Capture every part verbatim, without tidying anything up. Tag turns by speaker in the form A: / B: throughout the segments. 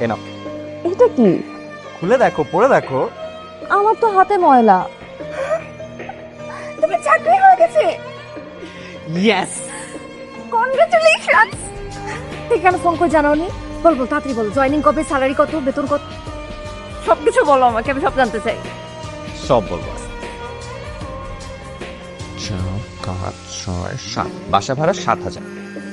A: এ নাও।
B: এটা কি?
A: খুলে দেখো, পরে দেখো।
B: আমার তো হাতে ময়লা। তুমি চাকরি হয়ে গেছে।
A: Yes,
B: congratulations. তুই কেন ফোন করে জানাওনি? বল বল, তাড়াতাড়ি বল। জয়েনিং কবে, স্যালারি কত, বেতন কত, সবকিছু বলো আমাকে, আমি সব জানতে চাই।
A: সব বলবো। চার পাঁচ ছয় সাত, বাসা ভাড়া সাত হাজার,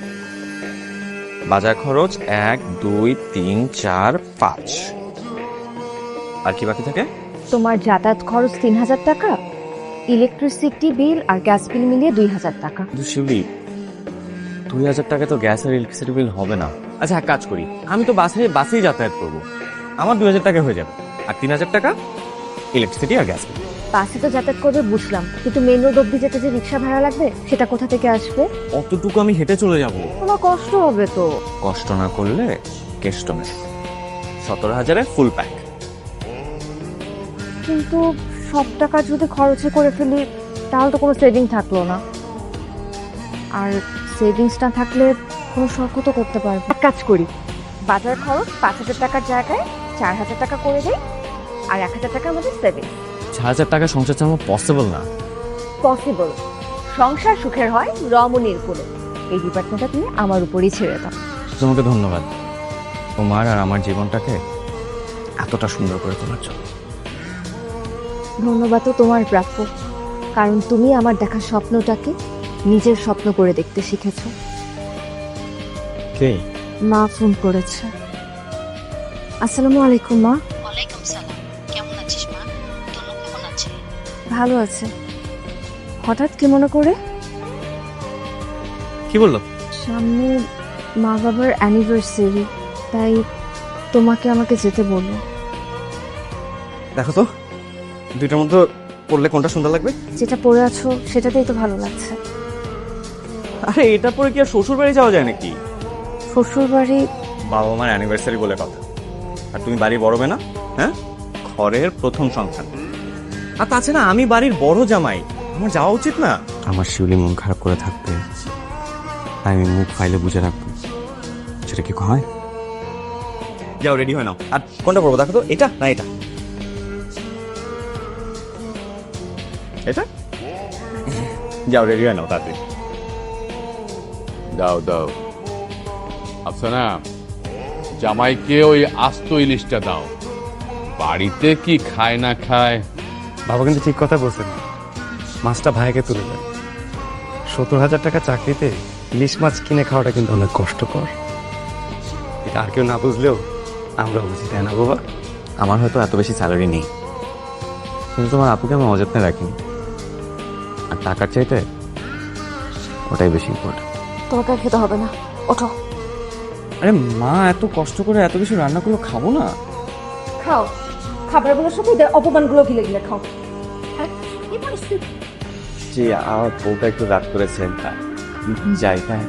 A: বাজার খরচ এক দুই তিন চার পাঁচ, আর কি বাকি থাকে?
B: তোমার যাতায়াত খরচ তিন হাজার টাকা, ইলেকট্রিসিটি বিল আর গ্যাস বিল মিলিয়ে দুই হাজার টাকা।
A: কিন্তু শিউলি, দুই হাজার টাকা তো গ্যাস আর ইলেকট্রিসিটি বিল হবে না। আচ্ছা এক কাজ করি, আমি তো বাসে বাসেই যাতায়াত করব, আমার দুই হাজার টাকা হয়ে যাবে, আর তিন হাজার টাকা ইলেকট্রিসিটি আর গ্যাস বিল।
B: বাসে তো যাতায়াত করবে বুঝলাম, কিন্তু মেন রোড অব্দি যেতে যে রিক্সা ভাড়া লাগবে, সেটা কোথা থেকে আসবে?
A: অতটুকু আমি হেঁটে চলে যাব।
B: তোমার কষ্ট হবে তো।
A: কষ্ট না করলে কেষ্ট নেই। সতেরো হাজারে ফুল প্যাক।
B: কিন্তু সব টাকা যদি খরচে করে ফেলি, তাহলে তো কোনো সেভিং থাকলো না। আর সেভিংস না থাকলে কোনো শখও তো করতে পারবো। এক কাজ করি, বাজার খরচ পাঁচ হাজার টাকার জায়গায় চার হাজার টাকা করে দেই, আর এক হাজার টাকার মধ্যে সেভিং।
A: চার হাজার টাকা সংসার চালানো পসিবল না।
B: পসিবল। সংসার সুখের হয় রমণীর কোলে। এই ডিপার্টমেন্টটা তুমি আমার উপরই ছেড়ে দাও।
A: তোমাকে ধন্যবাদ, তোমার আর আমার জীবনটাকে এতটা সুন্দর করে তোলার জন্য।
B: ধন্যবাদ তো তোমার প্রাপ্য, কারণ তুমি আমার দেখা স্বপ্নটাকে নিজের স্বপ্ন করে দেখতে শিখেছো।
A: কে?
B: মা ফোন করেছে। আসসালামু আলাইকুম মা।
C: ওয়ালাইকুম সালাম। কেমন আছিস মা? তনু কেমন আছে?
B: ভালো আছে। হঠাৎ কি মনে করে?
A: কি বললো?
B: সামনে মা বাবার অ্যানিভার্সারি, তাই তোমাকে আমাকে যেতে বললো।
A: দেখো তো, দুইটার মধ্যে পড়লে কোনটা সুন্দর লাগবে?
B: যেটা পরে আছো সেটাতেই তো ভালো লাগছে।
A: আরে এটা পরে কি আর শ্বশুর বাড়ি যাওয়া যায় নাকি?
B: শ্বশুর বাড়ি?
A: বাবা মার অ্যানিভার্সারি বলে কথা। আর তুমি বাড়ির বড় মেয়ে না? হ্যাঁ, ঘরের প্রথম সন্তান। আর তাছাড়া আমি বাড়ির বড় জামাই, আমার যাওয়া উচিত না? আমার শিউলি মন খারাপ করে থাকবে, তাই আমি মুখ ফাইলে বুঝে রাখবো, সেটা কি হয়? যাও রেডি হয়ে নাও। আর কোনটা পড়বো দেখো তো, এটা না এটা? এটা? যাও রেডি হয়ে নাও তাড়াতাড়ি।
D: দাও দাও। আফসানা, জামাইকে ওই আস্ত ইলিশটা দাও। বাড়িতে কি খায় না খায়।
E: বাবা কিন্তু ঠিক কথা বলছেন, মাছটা ভাইকে তুলে দেন। সত্তর হাজার টাকা চাকরিতে ইলিশ মাছ কিনে খাওয়াটা কিন্তু অনেক কষ্টকর। এটা আর কেউ না বুঝলেও আমরা বুঝি, তাই না বাবা?
A: আমার হয়তো এত বেশি স্যালারি নেই, কিন্তু তোমার আপুকে আমি অযত্নে রাখিনি, আর টাকার চাইতে ওটাই বেশি ইম্পর্টেন্ট।
B: তোমাকে আর খেতে হবে না, ওঠো।
A: আরে মা এত কষ্ট করে এত কিছু রান্না করলো, খাবো না?
B: খাও, খাবারগুলোর সাথে এদের অপমানগুলো গিলে গিলে খাও। হ্যাঁ, কি পরিস্থিতি?
A: জি, আমার বউটা একটু রাগ করেছে, যাই। হ্যাঁ,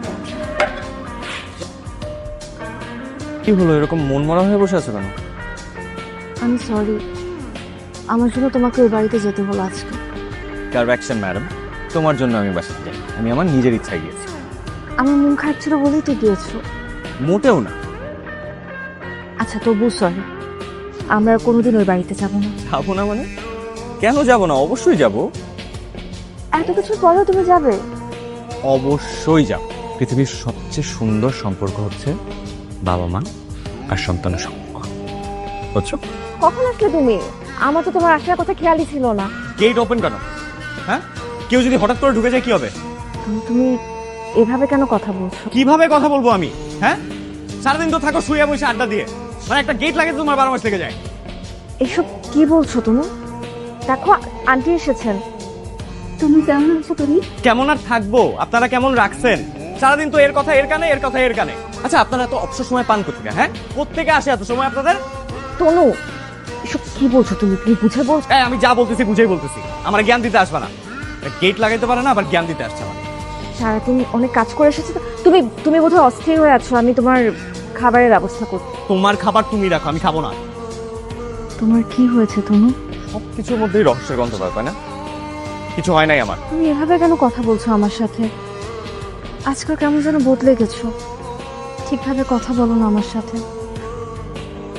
A: কি হলো এরকম মন মরা হয়ে বসে আছো কেন?
B: আমি সরি, আমার জন্য তোমাকে ওই বাড়িতে যেতে হলো আজকে।
A: কারেকশন ম্যাডাম, তোমার জন্য আমি বাসাতে যাই, আমি আমার নিজের ইচ্ছায় গিয়েছি।
B: আমার মন খারাপ ছিল বলেই তো গিয়েছো।
A: মোটেও না।
B: আচ্ছা তবু সরি, আমরা আর কোনোদিন ওই বাড়িতে যাবো না।
A: যাবো না মানে? কেন যাবো না? অবশ্যই যাবো।
B: এত কিছুর পরেও তুমি যাবে?
A: অবশ্যই যাব। পৃথিবীর সবচেয়ে সুন্দর সম্পর্ক হচ্ছে বাবা মা আর সন্তানের সম্পর্ক, বুঝছো?
B: কখন আসলে তুমি? আমার তো তোমার আসার কথা খেয়ালই ছিল না।
A: গেট ওপেন কেন? হ্যাঁ, কেউ যদি হঠাৎ করে ঢুকে যায় কি হবে?
B: তুমি তুমি এভাবে কেন কথা বলছো?
A: কিভাবে কথা বলবো আমি? হ্যাঁ, সারাদিন তো থাকো শুয়ে বসে আড্ডা দিয়ে, মানে একটা গেট লাগে তোমার বারো মাস লেগে যায়।
B: এসব কি বলছো তুমি? দেখো আন্টি এসেছেন। তুমি কেমন আছো? তুমি
A: কেমন আর থাকবো? আপনারা কেমন রাখছেন? সারাদিন তো এর কথা এর কানে, এর কথা এর কানে। আচ্ছা আপনারা এত অবসর সময় পান কোথেকে? হ্যাঁ, কোত্থেকে আসে এত সময় আপনাদের?
B: তনু, এসব কি বলছো তুমি? তুমি বুঝে বলছো?
A: হ্যাঁ, আমি যা বলতেছি বুঝেই বলতেছি, আমার জ্ঞান দিতে আসবে না। গেট লাগাইতে পারে না, আবার জ্ঞান দিতে আসছে আমার।
B: সারাদিন অনেক কাজ করে এসেছো তো। তুমি তুমি বোধহয় অস্থির হয়ে আছো, আমি তোমার খাবারের ব্যবস্থা করব।
A: তোমার খাবার তুমি রাখো, আমি খাবো না।
B: তোমার কি হয়েছে তনু?
A: সবকিছুর মধ্যেই রহস্যের গন্ধ পায়, তাই না? কিছু হয় নাই আমার।
B: তুমি এভাবে কেন কথা বলছো আমার সাথে? আজকাল কেমন যেন বদলে গেছো, ঠিকভাবে কথা বলো না আমার সাথে।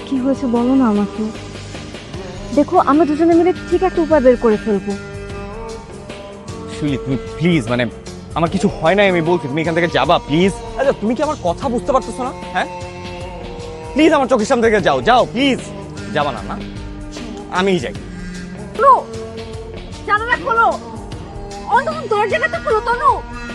B: কি হয়েছে বলো না আমাকে। দেখো আমরা দুজনে মিলে ঠিক একটা উপায় বের করে ফেলবো।
A: শিউলি তুমি প্লিজ, মানে আমার কিছু হয় নাই আমি বলছি, তুমি এখান থেকে যাবা প্লিজ। আচ্ছা তুমি কি আমার কথা বুঝতে পারতেছো না? হ্যাঁ প্লিজ আমার চোখের সামনে থেকে যাও, যাও প্লিজ। যাবা না? না আমিই যাই।
B: জানালা খোলো, অন্তত দরজাটা তো খোলো তনু।